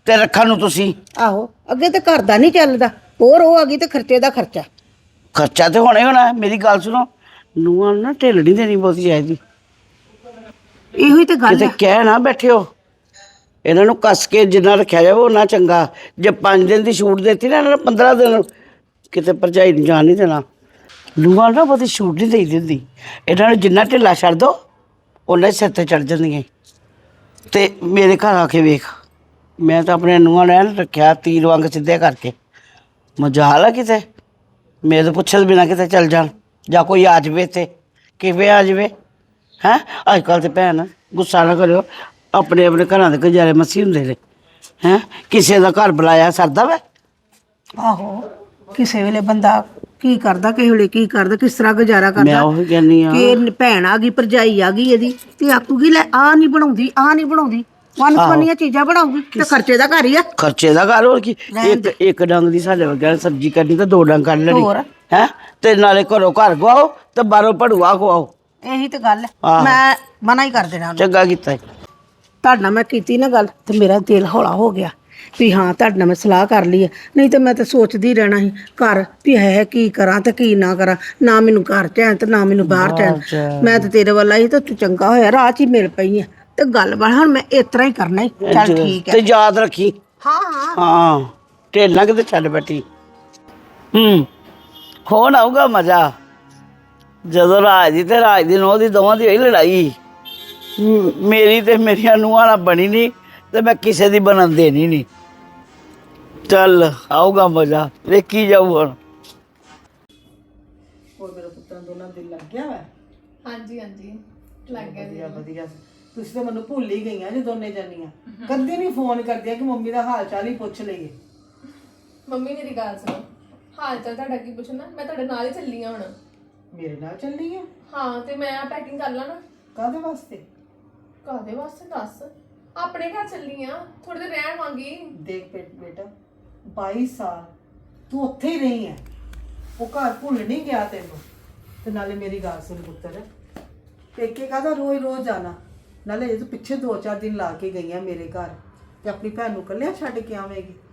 ਤੇ ਰੱਖਣ ਨੂੰ ਤੁਸੀਂ।
ਆਹੋ ਅੱਗੇ ਤੇ ਘਰ ਦਾ ਨਹੀਂ ਚੱਲਦਾ, ਹੋਰ ਉਹ ਆ ਗਈ ਤੇ ਖਰਚੇ ਦਾ ਖਰਚਾ।
ਖਰਚਾ ਤੇ ਹੋਣਾ ਹੀ ਹੋਣਾ। ਮੇਰੀ ਗੱਲ ਸੁਣੋ, ਨੂੰਹਾਂ ਨੂੰ ਨਾ ਢਿੱਲ ਨਹੀਂ ਦੇਣੀ ਬਹੁਤੀ ਚਾਹੀਦੀ।
ਇਹੋ ਹੀ ਤੇ ਗੱਲ
ਕਿਤੇ
ਹੈ।
ਕਹਿ ਨਾ ਬੈਠਿਓ, ਇਹਨਾਂ ਨੂੰ ਕੱਸ ਕੇ ਜਿੰਨਾ ਰੱਖਿਆ ਜਾਵੇ ਉਹਨਾਂ ਚੰਗਾ। ਜੇ ਪੰਜ ਦਿਨ ਦੀ ਛੂਟ ਦਿੱਤੀ ਨਾ ਇਹਨਾਂ ਨੂੰ ਪੰਦਰਾਂ ਦਿਨ ਕਿਤੇ ਭਰਜਾਈ ਨੂੰ ਜਾਣ ਨਹੀਂ ਦੇਣਾ। ਨੂੰਹਾਂ ਨਾ ਬਹੁਤੀ ਛੂਟ ਨਹੀਂ ਦੇਈ ਦਿੰਦੀ। ਇਹਨਾਂ ਨੂੰ ਜਿੰਨਾ ਢਿੱਲਾ ਛੱਡ ਦੋ ਉਹਨਾਂ ਸਿਰ ਤੇ ਚੜ ਜਾਂਦੀਆਂ। ਤੇ ਮੇਰੇ ਘਰ ਆ ਕੇ ਵੇਖ, ਮੈਂ ਤਾਂ ਆਪਣੇ ਨੂੰਹਾਂ ਨੂੰ ਐਨ ਰੱਖਿਆ ਤੀਰ ਵਾਂਗ ਸਿੱਧੇ ਕਰਕੇ। ਮਜਾਲ ਆ ਕਿਤੇ ਮੇਰੇ ਤੋਂ ਪੁੱਛੇ ਬਿਨਾਂ ਕਿਤੇ ਚੱਲ ਜਾਣ, ਜਾਂ ਕੋਈ ਆ ਜਾਵੇ ਤੇ ਕਿਵੇਂ ਆ ਜਾਵੇ ਹੈਂ। ਅੱਜ ਕੱਲ੍ਹ ਤੇ ਭੈਣ ਗੁੱਸਾ ਨਾ ਕਰਿਓ, ਆਪਣੇ ਆਪਣੇ ਘਰਾਂ ਦੇ ਗੁਜ਼ਾਰੇ ਮਸੀ ਹੁੰਦੇ ਨੇ ਹੈਂ। ਕਿਸੇ ਦਾ ਘਰ ਬੁਲਾਇਆ ਸਰਦਾ ਵਾ।
ਆਹੋ ਕਿਸੇ ਵੇਲੇ ਬੰਦਾ ਕੀ ਕਰਦਾ, ਕਿਸੇ ਵੇਲੇ ਕੀ ਕਰਦਾ, ਕਿਸ ਤਰ੍ਹਾਂ ਗੁਜ਼ਾਰਾ ਕਰਦਾ।
ਮੈਂ ਉਹੀ ਕਹਿੰਦੀ ਆ
ਕਿ ਭੈਣ ਆ ਗਈ, ਭਰਜਾਈ ਆ ਗਈ ਇਹਦੀ ਤੇ ਆਖੂਗੀ ਲੈ ਆ ਨਹੀਂ ਬਣਾਉਂਦੀ, ਆ ਨਹੀਂ ਬਣਾਉਂਦੀ, ਵਨ ਸਵੰਨੀਆਂ ਚੀਜ਼ਾਂ ਬਣਾਉਗੀ ਤੇ ਖਰਚੇ ਦਾ ਘਰ ਹੀ ਆ।
ਖਰਚੇ ਦਾ ਘਰ ਹੋਰ ਕੀ। ਇੱਕ ਇੱਕ ਡੰਗ ਦੀ ਸਾਡੇ ਵਰਗਿਆਂ ਨੇ ਸਬਜ਼ੀ ਕਰਨੀ ਤੇ ਦੋ ਡੰਗ ਕੱਢ ਲੈਣੀ
ਹੋਰ।
ਹੈਂ। ਤੇ ਨਾਲੇ ਘਰੋਂ ਘਰ ਗਵਾਓ ਤੇ ਬਾਹਰੋਂ ਭੜੂਆ ਖਵਾਓ।
ਇਹੀ ਤੇ ਗੱਲ ਹੈ,
ਆਹੋ।
ਮੈਂ ਮਨਾ ਹੀ ਕਰ ਦੇਣਾ ਉਹਨੂੰ।
ਚੰਗਾ ਕੀਤਾ ਈ।
ਤੁਹਾਡੇ ਨਾਲ ਮੈਂ ਕੀਤੀ ਨਾ ਗੱਲ ਤੇ ਮੇਰਾ ਦਿਲ ਹੌਲਾ ਹੋ ਗਿਆ ਵੀ ਹਾਂ ਤੁਹਾਡੇ ਨਾਲ ਮੈਂ ਸਲਾਹ ਕਰ ਲਈ ਹੈ। ਨਹੀਂ ਤੇ ਮੈਂ ਤਾਂ ਸੋਚਦੀ ਰਹਿਣਾ ਸੀ ਘਰ ਵੀ ਹੈ ਕੀ ਕਰਾਂ ਤੇ ਕੀ ਨਾ ਕਰਾਂ, ਨਾ ਮੈਨੂੰ ਘਰ ਚੈਨ ਤੇ ਨਾ ਮੈਨੂੰ ਬਾਹਰ ਚੈਨ। ਮੈਂ ਤਾਂ ਤੇਰੇ ਵੱਲ ਆਈ ਤੇ ਤੂੰ ਚੰਗਾ ਹੋਇਆ ਰਾਹ 'ਚ ਹੀ ਮਿਲ ਪਈ ਆ ਤੇ ਗੱਲ ਬਣ ਹੁਣ ਮੈਂ ਇਸ ਤਰ੍ਹਾਂ ਹੀ ਕਰਨਾ ਹੀ। ਚੱਲ ਠੀਕ ਹੈ।
ਤੇ ਯਾਦ ਰੱਖੀ।
ਹਾਂ ਹਾਂ
ਹਾਂ ਢਿੱਲ ਨਾ ਕਿਤੇ ਛੱਡ ਬੈਠੀ। ਹੂੰ ਹੁਣ ਆਊਗਾ ਮਜ਼ਾ ਜਦੋਂ ਰਾਜ ਦੀ ਤੇ ਰਾਜ ਦੀ ਨੂੰਹ ਦੀ ਦੋਵਾਂ ਦੀ ਹੋਈ ਲੜਾਈ। ਹੂੰ, ਮੇਰੀ ਤੇ ਮੇਰੀਆਂ ਨੂੰਹਾਂ ਨਾਲ ਬਣੀ ਨਹੀਂ ਤੇ ਮੈਂ ਕਿਸੇ ਦੀ ਬਣਨ ਦੇਣੀ ਨਹੀਂ। ਚੱਲ ਆਊਗਾ ਮਜ਼ਾ, ਵੇਖੀ ਜਾਊ ਹੁਣ।
ਹੋਰ ਮੇਰੇ ਪੁੱਤਰਾਂ ਦੋਨਾਂ ਦਿਲ ਲੱਗ ਗਿਆ ਵਾ।
ਹਾਂਜੀ ਹਾਂਜੀ ਲੱਗ ਗਿਆ ਜੀ।
ਵਧੀਆ ਵਧੀਆ, ਤੁਸੀਂ ਤਾਂ ਮੈਨੂੰ ਭੁੱਲ ਹੀ ਗਈਆਂ ਜੀ ਦੋਨੇ ਜਾਨੀਆਂ। ਕਦੇ ਨਹੀਂ ਫੋਨ ਕਰਦੀਆਂ ਕਿ ਮੰਮੀ ਦਾ ਹਾਲ ਚਾਲ ਹੀ ਪੁੱਛ ਲਈਏ।
ਮੰਮੀ ਮੇਰੀ ਗੱਲ ਸੁਣੋ, ਹਾਲ ਚਾਲ ਤੁਹਾਡਾ ਕੀ ਪੁੱਛਣਾ, ਮੈਂ ਤੁਹਾਡੇ ਨਾਲ ਹੀ ਚੱਲੀ ਆ ਹੁਣ।
ਮੇਰੇ ਨਾਲ ਚੱਲੀ ਆ?
ਹਾਂ ਤੇ ਮੈਂ ਪੈਕਿੰਗ ਕਰ ਲਾਂ ਨਾ।
ਕਾਹਦੇ ਵਾਸਤੇ?
ਕਾਹਦੇ ਵਾਸਤੇ ਦੱਸ, ਆਪਣੇ ਘਰ ਚੱਲੀ ਆ, ਥੋੜੇ ਦਿਨ ਰਹਿਣ ਵਾਂਗੀ।
ਦੇਖ ਬੇ- ਬੇਟਾ ਬਾਈ ਸਾਲ ਤੂੰ ਉੱਥੇ ਹੀ ਰਹੀ ਹੈ, ਉਹ ਘਰ ਭੁੱਲ ਨਹੀਂ ਗਿਆ ਤੈਨੂੰ। ਤੇ ਨਾਲੇ ਮੇਰੀ ਗੱਲ ਸੁਣ ਪੁੱਤਰ, ਪੇਕੇ ਕਾਹਦਾ ਰੋਜ਼ ਰੋਜ਼ ਜਾਣਾ, ਨਾਲੇ ਇਹ ਤੂੰ ਪਿੱਛੇ ਦੋ ਚਾਰ ਦਿਨ ਲਾ ਕੇ ਗਈਆਂ ਮੇਰੇ ਘਰ ਤੇ ਆਪਣੀ ਭੈਣ ਨੂੰ ਇਕੱਲਿਆਂ ਛੱਡ ਕੇ ਆਵੇਂਗੀ।